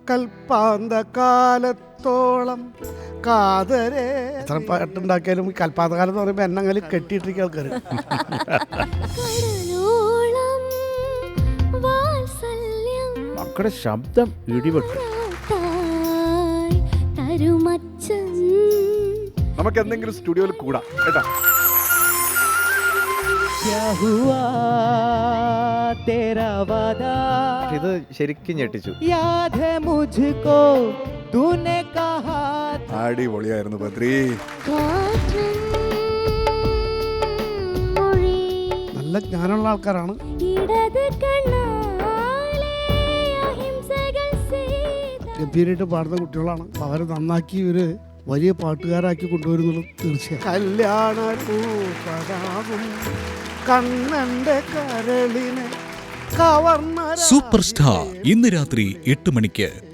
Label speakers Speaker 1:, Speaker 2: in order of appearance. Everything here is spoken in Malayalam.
Speaker 1: കൽപ്പാന്ത കാലത്തോളം കാതരേ. എത്ര പാട്ടുണ്ടാക്കിയാലും ഈ കൽപ്പാന്ത കാലം എന്ന് പറയുമ്പോൾ എന്നെങ്ങനെ കെട്ടിയിട്ടിരിക്കുക ആൾക്കാർ.
Speaker 2: മക്കളുടെ ശബ്ദം ഇടിപെട്ടു.
Speaker 3: നമുക്ക് എന്തെങ്കിലും സ്റ്റുഡിയോയിൽ കൂടാം കേട്ടാ.
Speaker 2: ഇത് ശരിക്കും ഞെട്ടിച്ചു.
Speaker 3: അടിപൊളിയായിരുന്നു ബദ്രി.
Speaker 1: നല്ല ജ്ഞാനമുള്ള ആൾക്കാരാണ്. ഗംഭീരമായിട്ട് പാടുന്ന കുട്ടികളാണ്. അപ്പോൾ അവർ നന്നാക്കി ഒരു വലിയ പാട്ടുകാരാക്കി കൊണ്ടുവരുന്നുള്ളത് തീർച്ചയായും. കല്യാണ കണ്ണന്റെ കരളിനെ കവർന്ന
Speaker 4: സൂപ്പർ സ്റ്റാർ ഇന്ന് രാത്രി 8 മണിക്ക്.